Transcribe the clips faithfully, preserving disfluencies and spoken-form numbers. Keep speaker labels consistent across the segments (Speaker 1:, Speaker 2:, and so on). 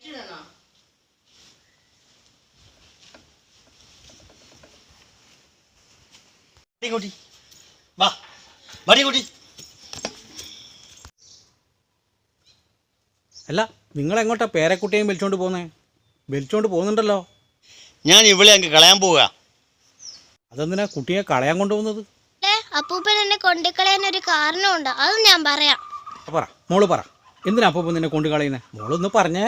Speaker 1: അല്ല, നിങ്ങളെങ്ങോട്ടാ പേരക്കുട്ടിയും വിളിച്ചോണ്ട് പോകുന്നേ? വിളിച്ചോണ്ട് പോകുന്നുണ്ടല്ലോ.
Speaker 2: ഞാൻ ഇവിടെ അങ്ങ് കളയാൻ പോവുക.
Speaker 1: അതെന്തിനാ കുട്ടിയെ കളയാൻ കൊണ്ടുപോകുന്നത്?
Speaker 3: അപ്പൂപ്പൻ എന്നെ കൊണ്ടുകളയാൻ ഒരു കാരണമുണ്ട്, അത് ഞാൻ പറയാം.
Speaker 1: പറ മോള് പറ, എന്തിനാ അപ്പൂപ്പൻ നിന്നെ കൊണ്ട് കളയുന്നേ? മോളൊന്ന് പറഞ്ഞേ.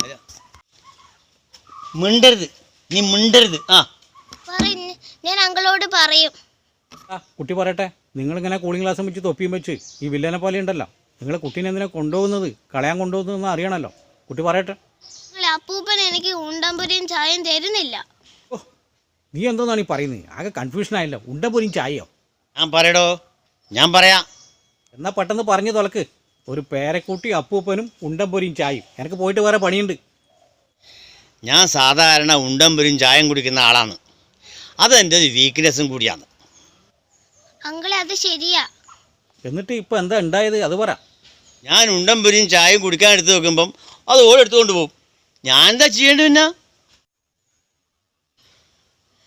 Speaker 2: മിണ്ടരുത്, നീ മിണ്ടരുത്. ആ
Speaker 3: ഞാൻ അങ്കിളോട് പറയും.
Speaker 1: ആ കുട്ടി പറയട്ടെ. നിങ്ങളിങ്ങനെ കൂളിംഗ് ഗ്ലാസും വെച്ച് തൊപ്പിയും വെച്ച് ഈ വില്ലനെ പോലെ ഉണ്ടല്ലോ, നിങ്ങൾ കുട്ടീനെ എന്തിനാ കൊണ്ടുപോകുന്നത്, കളയാൻ കൊണ്ടുപോകുന്നതെന്ന് അറിയണമല്ലോ. കുട്ടി പറയട്ടെ.
Speaker 3: അപ്പൂപ്പൻ എനിക്ക് ഉണ്ടമ്പൊരിയും ചായയും തരുന്നില്ല.
Speaker 1: ഓ, നീ എന്തോന്നാണ് ഈ പറയുന്നത്? ആകെ കൺഫ്യൂഷൻ ആയല്ലോ. ഉണ്ടപ്പൊരിയും ചായയോ?
Speaker 2: ഞാൻ പറയടോ, ഞാൻ പറയാം.
Speaker 1: എന്നാൽ പെട്ടെന്ന് പറഞ്ഞു തുലക്ക്. ഒരു പേരക്കുട്ടി അപ്പൂപ്പനും ഉണ്ടപ്പൊരിയും ചായയും. എനിക്ക് പോയിട്ട് വേറെ പണിയുണ്ട്.
Speaker 2: ഞാൻ സാധാരണ ഉണ്ടമ്പൊരിയും ചായം കുടിക്കുന്ന ആളാണ്. അതെൻ്റെ ഒരു വീക്ക്നെസ്സും കൂടിയാണ്.
Speaker 3: അങ്കിളെ, അത് ശരിയാ.
Speaker 1: എന്നിട്ട് ഇപ്പം എന്താ ഉണ്ടായത് അത് പറ.
Speaker 2: ഞാൻ ഉണ്ടമ്പൊരിയും ചായയും കുടിക്കാൻ എടുത്ത് വെക്കുമ്പം അത് ഓൾ എടുത്തുകൊണ്ട് പോകും. ഞാൻ എന്താ ചെയ്യേണ്ടത്? പിന്നെ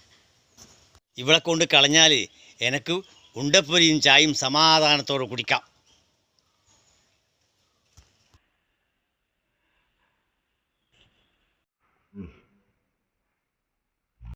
Speaker 2: ഇവിടെ കൊണ്ട് കളഞ്ഞാൽ എനിക്ക് ഉണ്ടപ്പൊരിയും ചായയും സമാധാനത്തോടെ കുടിക്കാം.